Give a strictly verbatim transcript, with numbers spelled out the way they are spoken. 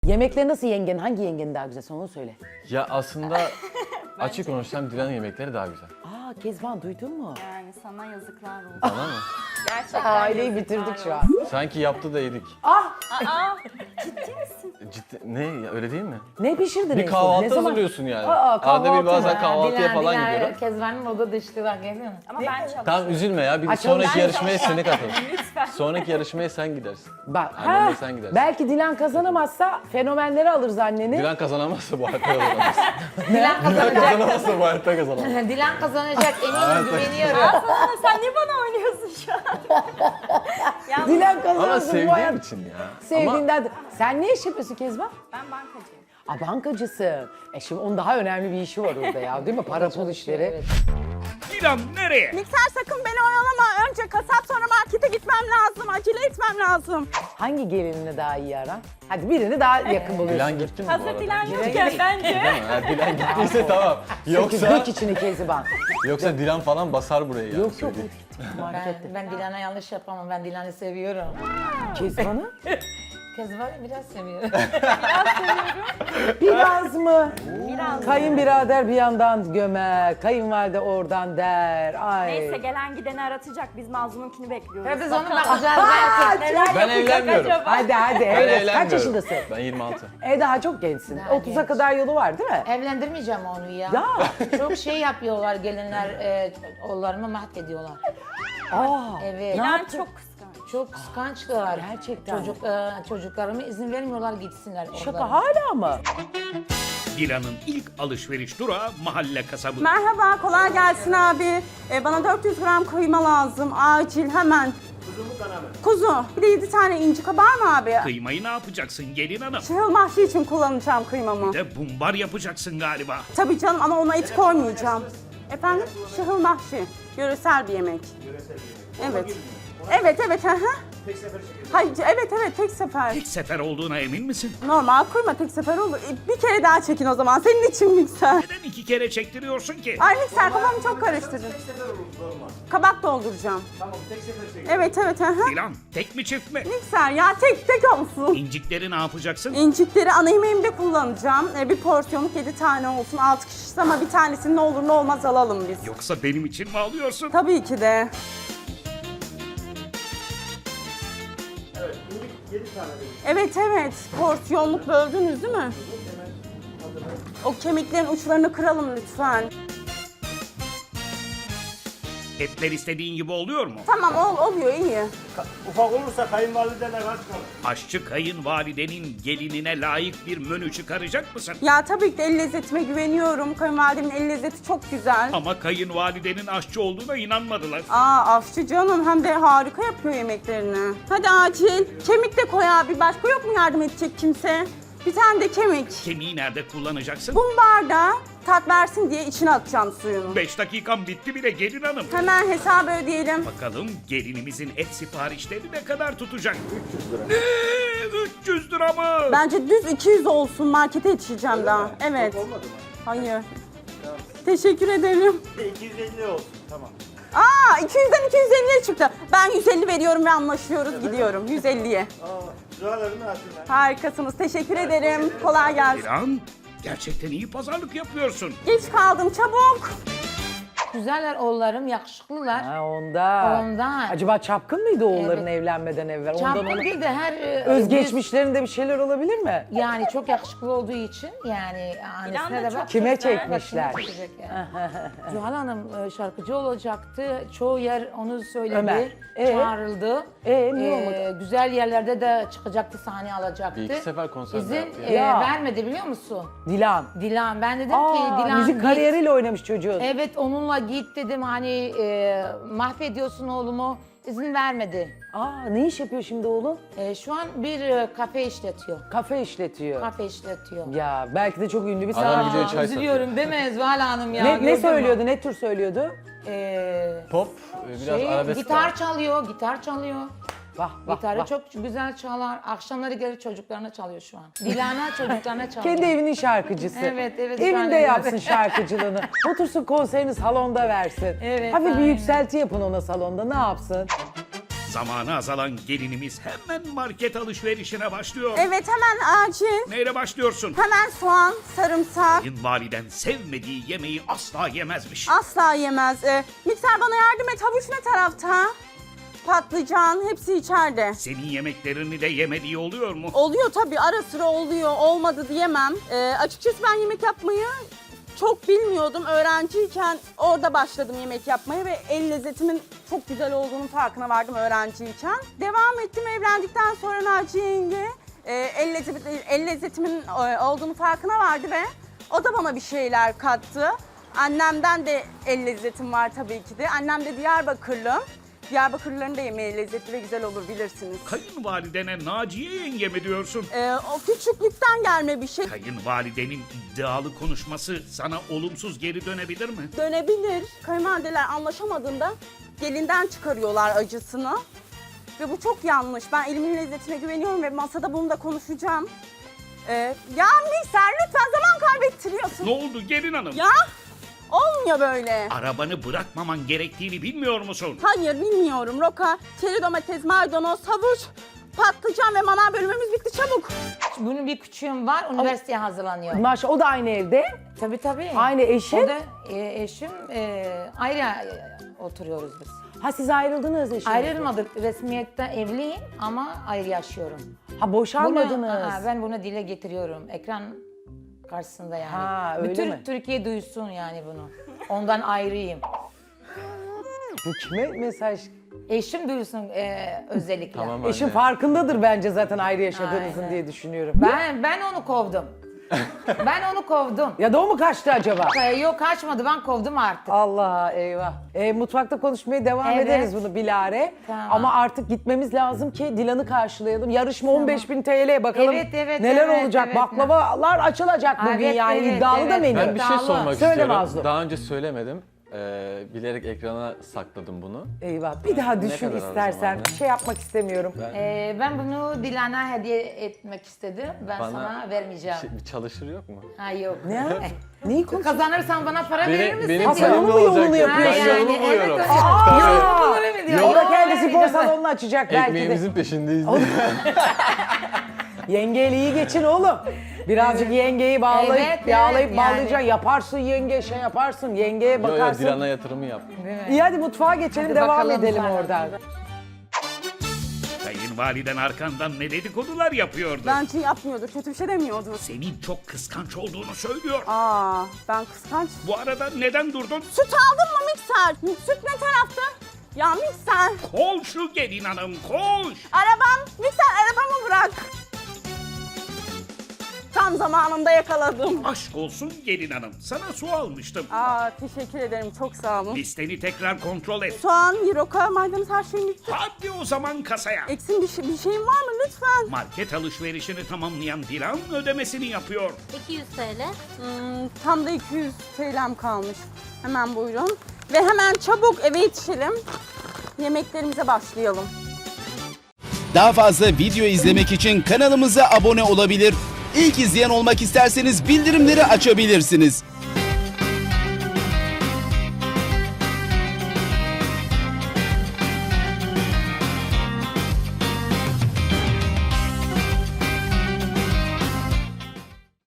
Yemekleri nasıl yengen? Hangi yengenin daha güzel? Sen onu söyle. Ya aslında açık konuşsam Dilan'ın yemekleri daha güzel. Aa Kezban duydun mu? Yani sana yazıklar olsun. Bana mı? Gerçekten Aileyi yazıklar bitirdik şu an. olsun. Sanki yaptı da yedik. Ah! Aa, ciddi misin? Ciddi ne ya, öyle değil mi? Ne pişirdin? en Bir son? kahvaltı Ne zaman? hazırlıyorsun yani. Aa, Arada kahvaltı bir bazen mı? kahvaltıya Dilan, falan Dilan, gidiyorum. Kezban'ın oda düştü bak görüyor musun? Ama ben çalışıyorum. Tamam üzülme ya. Bir Açalım. sonraki Ben yarışmaya seni katıl. Lütfen. Sonraki yarışmaya sen gidersin. Bak, Annemle ha, sen gidersin. belki Dilan kazanamazsa fenomenleri alırız anneni. Dilan kazanamazsa bu hayatta kazanamaz. Dilan Dilan kazanacak. kazanamazsa bu hayatta kazanamaz. Dilan kazanacak eminim güveniyorum. Aa, sen niye bana oynuyorsun şu an? Yalnız Dilan kazanırsa Ama bu sevdiğim hayat- için ya. Ama Sevdiğinden. Sen ne iş yapıyorsun Kezban? ben bankacıyım. Aa bankacısın. E şimdi onun daha önemli bir işi var orada ya değil mi? Para pul işleri. Evet. Dilan nereye? Mikser sakın beni oyalama. Önce kasap sonra markete gitmem lazım. Acele etmem lazım. Hangi gelinini daha iyi aran? Hadi birini daha yakın buluyorsun. Dilan gitti mi bu arada? Hazır Dilan yokken bence. Değil mi? Ha, Dilan gittiyse tamam. Yoksa... Yoksa Dök içini Kezban. yoksa Dilan falan basar burayı yani. Yok yok. söyleyeyim. Markette. Ben, ben Dilan'a yanlış yapamam. Ben Dilan'ı seviyorum. Kezban'ı? Kezban'ı biraz seviyorum. Biraz mı? Biraz. Kayınbirader bir yandan gömer, kayınvalide oradan der. Ay. Neyse gelen gideni aratacak. Biz Mazlum'unkini bekliyoruz. Ve biz onu Bakalım. bakacağız Aa, belki. Neler Ben yapacak evlenmiyorum. acaba? Hadi hadi. Ben Evet. Kaç evlenmiyorum. yaşındasın? Ben yirmi altı. E daha çok gençsin. Daha otuza genç. kadar yolu var değil mi? Evlendirmeyeceğim onu ya. Ya. Çok şey yapıyorlar gelinler, e, oğullarımı mahvediyorlar. Aa. Evet. Dilan yaptın? çok kıskanç. Çok kıskançlar. Gerçekten. Çocuk, e, çocuklarımı izin vermiyorlar gitsinler. Şaka oralara. hala mı? Dilan'ın ilk alışveriş durağı mahalle kasabı. Merhaba, kolay gelsin abi. Ee, bana dört yüz gram kıyma lazım. Acil, hemen. Kuzu mu kana mı? Kuzu. Bir de yedi tane inci kabar mı abi? Kıymayı ne yapacaksın gelin hanım? Şahıl mahşi için kullanacağım kıymamı. Bir de bumbar yapacaksın galiba. Tabii canım ama ona et koymayacağım. Efendim? Şahıl mahşi. Yöresel bir yemek. Yöresel bir yemek. Evet. Evet, evet. Hı hı. Tek sefer çekiyorsun. Hayır, evet, evet. Tek sefer. Tek sefer olduğuna emin misin? Normal kıyma tek sefer olur. E, Bir kere daha çekin o zaman. Senin için mikser. Neden iki kere çektiriyorsun ki? Ay mikser kafamı çok karıştırdın. Tek sefer olur normal. Kabak dolduracağım. Tamam tek sefer çekin. Evet, evet. Hı hı. Dilan tek mi çift mi? Mikser ya tek tek olsun. İncikleri ne yapacaksın? İncikleri ana yemeğimde kullanacağım. E, bir porsiyonluk yedi tane olsun. altı kişiyiz ama bir tanesini ne olur ne olmaz alalım biz. Yoksa benim için mi alıyorsun? Tabii ki de. Evet evet. Porsiyonluk böldünüz değil mi? O kemiklerin uçlarını kıralım lütfen. Etler istediğin gibi oluyor mu? Tamam ol, oluyor iyi. Ufak olursa kayınvalidene kaç kalır? Aşçı kayınvalidenin gelinine layık bir menü çıkaracak mısın? Ya tabii ki de el lezzetime güveniyorum. Kayınvalidemin el lezzeti çok güzel. Ama kayınvalidenin aşçı olduğuna inanmadılar. Aa aşçı canım hem de harika yapıyor yemeklerini. Hadi acil. Kemik de koy abi. Başka yok mu yardım edecek kimse? Bir tane de kemik. Kemiği nerede kullanacaksın? Bumbarda tat versin diye içine atacağım suyunu. Beş dakikam bitti bile gelin hanım. Hemen hesabı ödeyelim. Bakalım gelinimizin et siparişleri ne kadar tutacak? üç yüz lira. Ne? üç yüz lira mı? Bence düz iki yüz olsun. Markete yetişeceğim daha. Evet. Olmadı mı? Hayır. Teşekkür ederim. iki yüz elli olsun tamam. Aa iki yüzden iki yüz elliye çıktı. Ben yüz elli veriyorum ve anlaşıyoruz. Gidiyorum yüz elliye. Aa, dualarını atın. Harikasınız. Teşekkür ederim. Kolay gelsin. Dilan, gerçekten iyi pazarlık yapıyorsun. Geç kaldım çabuk. Güzeller oğullarım, yakışıklılar. Ha ondan. Ondan. Acaba çapkın mıydı oğulların Evet. evlenmeden evvel? Ondan Çapkın onu... değil de her... e, Özgeçmişlerinde bir şeyler olabilir mi? Yani çok yakışıklı olduğu için yani annesine Dilan da de çok bak. Kime güzel. çekmişler? Çekecek yani. Zuhal Hanım e, şarkıcı olacaktı. Çoğu yer onu söyledi. Ömer. Ee? Çağrıldı. Ee, niye olmadı? Güzel yerlerde de çıkacaktı, sahne alacaktı. Bir iki sefer konser İzin yaptı e, ya. vermedi biliyor musun? Dilan. Dilan. Ben dedim ki Aa, Dilan müzik git. kariyeriyle oynamış çocuğun. Evet onunla git dedim hani e, mahvediyorsun oğlumu. İzin vermedi. Aa, ne iş yapıyor şimdi oğlum? E, şu an bir e, kafe işletiyor. Kafe işletiyor. Kafe işletiyor. Ya belki de çok ünlü bir Adam sanatçı. gidiyor çay satıyor. Üzülüyorum değil mi Zuhal Hanım ya? Ne, Gördün ne mü? söylüyordu, ne tür söylüyordu? E, Pop, biraz şey, arabesk gitar var. çalıyor, gitar çalıyor. Vah vah Gitarı vah. çok güzel çalar. Akşamları gelir çocuklarına çalıyor şu an. Dilan'a çocuklarına çalıyor. Kendi evinin şarkıcısı. Evet, evet, şu an Evinde öyle. yapsın şarkıcılığını. Otursun konserini salonda versin. Evet, Hafif bir aynen. yükselti yapın ona salonda. Ne yapsın? Zamanı azalan gelinimiz hemen market alışverişine başlıyor. Evet, hemen acil. Neyle başlıyorsun? Hemen soğan, sarımsak. Kayınvaliden sevmediği yemeği asla yemezmiş. Asla yemez. Ee, mikser bana yardım et. Havuç ne tarafta? Patlıcan hepsi içeride. Senin yemeklerini de yemediği oluyor mu? Oluyor tabii, ara sıra oluyor. Olmadı diyemem. Ee, açıkçası ben yemek yapmayı çok bilmiyordum. Öğrenciyken orada başladım yemek yapmaya ve el lezzetimin çok güzel olduğunun farkına vardım öğrenciyken. Devam ettim evlendikten sonra Naciye yenge e, el, lezzet, el lezzetimin e, olduğunu farkına vardı ve o da bana bir şeyler kattı. Annemden de el lezzetim var tabii ki de. Annem de Diyarbakırlı. Diyarbakırlıların da yemeği lezzetli ve güzel olur bilirsiniz. Kayınvalidene Naciye yenge mi diyorsun? Ee, o küçüklükten gelme bir şey. Kayınvalidenin iddialı konuşması sana olumsuz geri dönebilir mi? Dönebilir. Kayınvalideler anlaşamadığında gelinden çıkarıyorlar acısını. Ve bu çok yanlış. Ben elimin lezzetine güveniyorum ve masada bunu da konuşacağım. Ee, ya mikser lütfen zaman kaybettiriyorsun. Ne oldu gelin hanım? Ya olmuyor böyle. Arabanı bırakmaman gerektiğini bilmiyor musun? Hayır bilmiyorum. Roka, çeri domates, maydanoz, havuç, patlıcan ve manav bölümümüz bitti çabuk. Bunun bir küçüğüm var, üniversiteye hazırlanıyor. Maşallah o da aynı evde. Tabii tabii. Aynı eşi. O da e, eşim, e, ayrı e, oturuyoruz biz. Ha siz ayrıldınız eşinizle. Ayrılmadık, resmiyette evliyim ama ayrı yaşıyorum. Ha boşanmadınız. Bunu, aa, ben bunu dile getiriyorum, ekran karşısında yani. Ha, öyle Bütün mi? Türkiye duysun yani bunu. Ondan ayrıyım. Bu kime mesaj? Eşim duysun e, özellikle. Tamam Eşin anne. farkındadır bence zaten ayrı yaşadığınızın Aynen. diye düşünüyorum. Ben ben onu kovdum. ben onu kovdum. Ya da o mu kaçtı acaba? Ee, Yok kaçmadı, ben kovdum artık. Allah eyvah. E, mutfakta konuşmaya devam Evet. ederiz bunu Bilare. Tamam. Ama artık gitmemiz lazım ki Dilan'ı karşılayalım. Yarışma on beş bin T L bakalım Evet, evet, neler evet, olacak. evet. Baklavalar açılacak bugün Evet, yani evet, iddialı da evet. menü. Ben bir şey İddialı. sormak Söyle istiyorum. Mazlum. Daha önce söylemedim. Ee, bilerek ekrana sakladım bunu. Eyvah. Bir daha düşün kadar o istersen. zaman ya? Bir şey yapmak istemiyorum. Ee, ben bunu Dilan'a hediye etmek istedim. Ben Bana sana vermeyeceğim. Şey- bir çalışır yok mu? Ha yok. Ne? Neyi konuşuyorsun? Kazanırsan bana para verir Benim, misin? benim Ha, sen payım onun ne mu yolunu olacak? yapıyorsun? Ben Ha, yolumu yani, buluyorum. evet, Tabii. Aa, Öyle mi diyor? o da Yok, kendi öyle spor mi? salonunu açacak belki de. Ekmeğimizin peşindeyiz. Yengeyle iyi geçin oğlum. Birazcık yengeyi bağlayıp, Evet, yağlayıp evet, bağlayacaksın. yani. Yaparsın yenge, şey yaparsın. Yengeye Yo yo bakarsın. Dilan'a yatırımı yap. İyi hadi mutfağa geçelim, Hadi devam bakalım edelim sana. oradan. Kayınvaliden arkandan ne dedikodular yapıyordu? Bence yapmıyordur, kötü bir şey demiyordur. Senin çok kıskanç olduğunu söylüyor. Aa, ben kıskanç. Bu arada neden durdun? Süt aldın mı mikser? Süt ne tarafta? Ya mikser. Koş şu gelin hanım koş. Arabam, mikser arabamı bırak. Tam zamanında yakaladım. Aşk olsun gelin hanım. Sana su almıştım. Aa, teşekkür ederim, çok sağ olun. Listeni tekrar kontrol et. Soğan, roka, maydanoz her şeyim bitti. Hadi o zaman kasaya. Eksin bir, şey, bir şeyin var mı lütfen? Market alışverişini tamamlayan Dilan ödemesini yapıyor. iki yüz T L. Hmm, tam da iki yüz T L'm kalmış. Hemen buyurun. Ve hemen çabuk eve yetişelim. Yemeklerimize başlayalım. Daha fazla video izlemek için kanalımıza abone olabilir. İlk izleyen olmak isterseniz bildirimleri açabilirsiniz.